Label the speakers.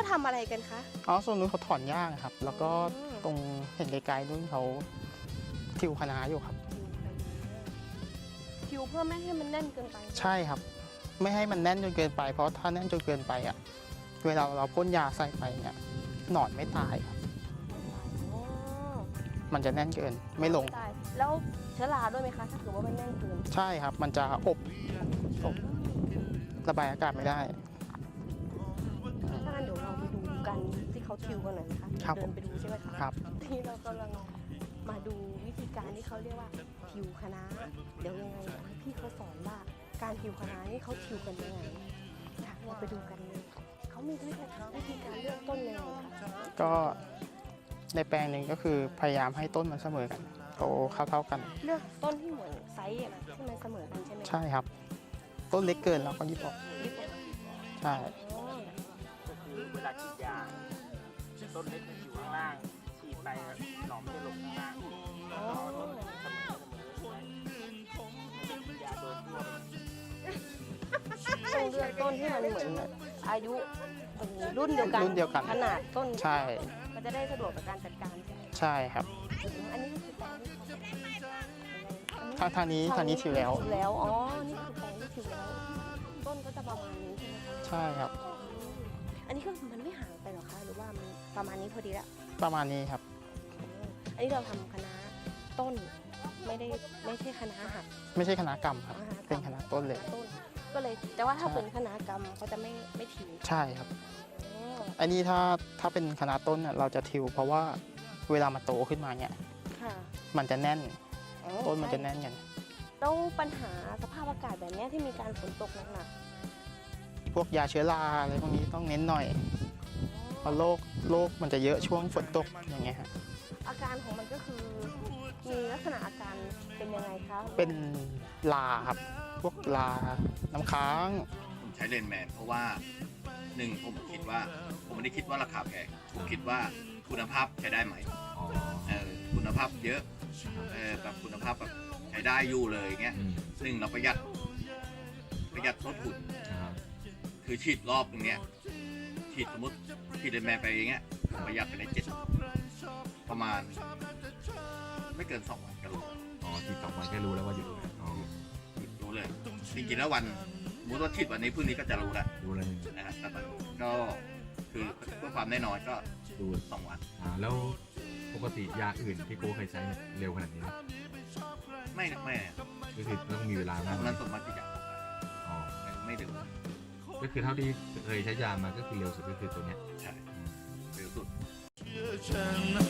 Speaker 1: ทำอะไรกันคะ
Speaker 2: อ๋อส่วนนู้นเขาถอนหญ้าครับแล้วก็ตรงเห็นไกลๆนู้นเขาทิวคะน้าอยู่ครับ
Speaker 1: ทิวเพื่อไม่ให้มันแน่นเกินไป
Speaker 2: ใช่ครับไม่ให้มันแน่นจนเกินไปเพราะถ้าแน่นจนเกินไปอ่ะเวลาเราพ่นยาใส่ไปเนี่ยหนอนไม่ตายครับมันจะแน่นเกินไม่ลง
Speaker 1: แล้วเชื้อราด้วยไหมคะถ้าเกิดว่ามันแน่นเกิน
Speaker 2: ใช่ครับมันจะอบระบายอากาศไม่ได้
Speaker 1: ถ้างั้นเดี๋ยวเราไปดูกันที่เขาทิวกันหน่อยนะคะเดินไปดูใช่ไหมคะ
Speaker 2: ครับ
Speaker 1: ที่เรากำลังมาดูวิธีการที่เขาเรียกว่าทิวคะน้าเดี๋ยวยังไงพี่เขาสอนว่าการทิวคะน้านี่เขาทิวกันยังไงเราไปดูกันเลยเขามีวิธีการเลือกต้นยังไงคะ
Speaker 2: ก็ในแปลงหนึ่งก็คือพยายามให้ต้นมันเสมอกันโตเท่ากัน
Speaker 1: เลือกต้นที่เหมือนไซส์ที่มันเสมอกันใช่ไหม
Speaker 2: ใช่ครับต้นเล็กเกินเราก็ยิบออกใช่
Speaker 3: ก็คือเวลาฉีดยาต้นเล็กมันอยู่ข้างล่างฉีดไปหนอนมันจะลงข้างล่างแล้วก็ต้นเสมอฉีดยาโดนทั่ว
Speaker 1: ต้องเลือกต้นที่มันเหมือนอายุรุ่นเดียวกันขนาดต้น
Speaker 2: ใช่
Speaker 1: มันจะได้สะดวกต่อการจัดการ
Speaker 2: ใช่ครับ
Speaker 1: อันนี้คือแปลง
Speaker 2: ทางนี้ทิวแล้ว
Speaker 1: อ๋อนี่คือแปลงที่ทิวแล้วต้นก็จะประมาณนี้ใช่ไหมคะ
Speaker 2: ใช่ครับ
Speaker 1: อันนี้คือมันไม่ห่างไปหรอคะหรือว่ามันประมาณนี้พอดีละ
Speaker 2: ประมาณนี้ครับ
Speaker 1: อันนี้เราทำคะน้าต้นไม่ใช่คะน้าหัก
Speaker 2: ไม่ใช่คณะกรรมครับเป็นคณะต้นเลย
Speaker 1: ก็เลยแต่ว่าถ้าเป็นคณะกรรมเขาจะไม่ทิว
Speaker 2: ใช่ครับอันนี้ถ้าเป็นคณะต้นเราจะทิวเพราะว่าเวลามันโตขึ้นมาเนี่ยมันจะแน่นต้นมันจะแน่นกัน
Speaker 1: แล้วปัญหาสภาพอากาศแบบนี้ที่มีการฝนตกหนัก
Speaker 2: พวกยาเชื้อราอะไรพวกนี้ต้องเน้นหน่อยเพราะโรคมันจะเยอะช่วงฝนตกอย่างเงี้ยฮะ
Speaker 1: อาการของมันก็คือมีลักษณะอาการเป็นยังไงคะ
Speaker 2: เป็นลาครับพวกลาน้ำค้าง
Speaker 4: ผมใช้เลนแมนเพราะว่าหนึ่งผมคิดว่าผมไม่ได้คิดว่าราคาแพงผมคิดว่าคุณภาพใช้ได้ไหมคุณภาพเยอะแบบคุณภาพแบบใช้ได้อยู่เลยเงี้ยหนึ่งเราประหยัดต้นทุนคือฉีดรอบตรงเนี้ยฉีดสมมติฉีดเลนแมนไปอย่างเงี้ยประหยัดไปได้ประมาณไม่เกิน2 วันก็รู้
Speaker 5: ฉีด2 วันแค่รู้แล้วว่าหยุด
Speaker 4: รู้เลยจริงๆแล้ววันสมมติว่าฉีดวันนี้พรุ่งนี้ก็จะรู้แล้วนะครับแต่ก็คือเพื่อความแน่นอนก็
Speaker 5: ดู
Speaker 4: 2 วัน
Speaker 5: แล้วปกติยาอื่นที่โก้เคยใช้เร็วขนาดนี้ไหม
Speaker 4: ไม่
Speaker 5: ก็คือต้องมีเวลามาก
Speaker 4: นั้นสมมติจะไม่เร็ว
Speaker 5: ก็คือเท่าที่เคยใช้ยามาก็คือเร็วสุดก็คือตัวเนี้ย
Speaker 4: ใช่เร็วสุด